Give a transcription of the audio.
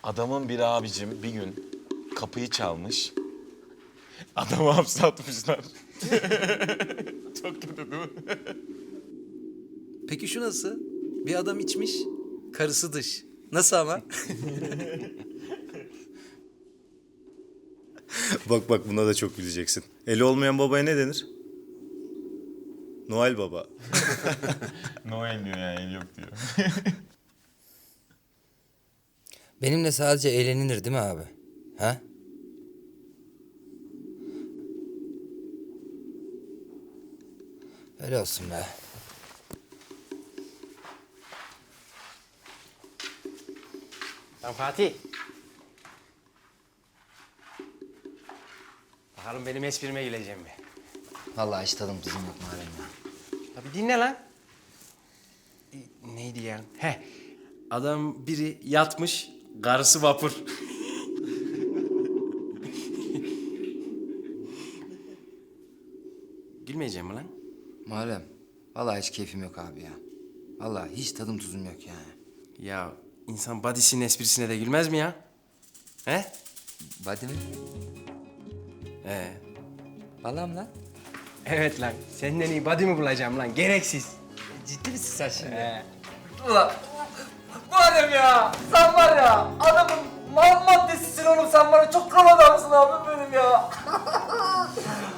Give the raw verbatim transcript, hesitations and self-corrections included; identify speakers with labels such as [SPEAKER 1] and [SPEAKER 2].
[SPEAKER 1] Adamın bir abicim bir gün kapıyı çalmış. Adamı hapse atmışlar. Çok kötü değil mi?
[SPEAKER 2] Peki şu nasıl? Bir adam içmiş, karısı dış. Nasıl ama?
[SPEAKER 3] Bak bak buna da çok güleceksin. Eli olmayan babaya ne denir? Noel Baba.
[SPEAKER 1] Noel diyor yani, el yok diyor.
[SPEAKER 4] Benimle sadece eğlenilir değil mi abi? Ha? Öyle olsun be.
[SPEAKER 5] Lan Fatih. Bakalım benim esprime gülecek mi?
[SPEAKER 4] Vallahi hiç tadım tuzum yok Muharrem ya.
[SPEAKER 5] Ya bir dinle lan. E, Neydi ya? He. Adam biri yatmış, karısı vapur. Gülmeyeceğim mi lan?
[SPEAKER 4] Muharrem, vallahi hiç keyfim yok abi ya. Vallahi hiç tadım tuzum yok yani.
[SPEAKER 5] Ya insan body'sinin esprisine de gülmez mi ya? He?
[SPEAKER 4] Body mi?
[SPEAKER 5] He.
[SPEAKER 4] Vallahi mi lan?
[SPEAKER 5] Evet lan. Senden iyi body mi bulacağım lan? Gereksiz.
[SPEAKER 4] Ciddi misin sen şimdi?
[SPEAKER 5] He.
[SPEAKER 6] Ulan Muharrem ya, sen var ya adamın mal maddesisin oğlum, sen bana çok kral adamsın abim benim ya.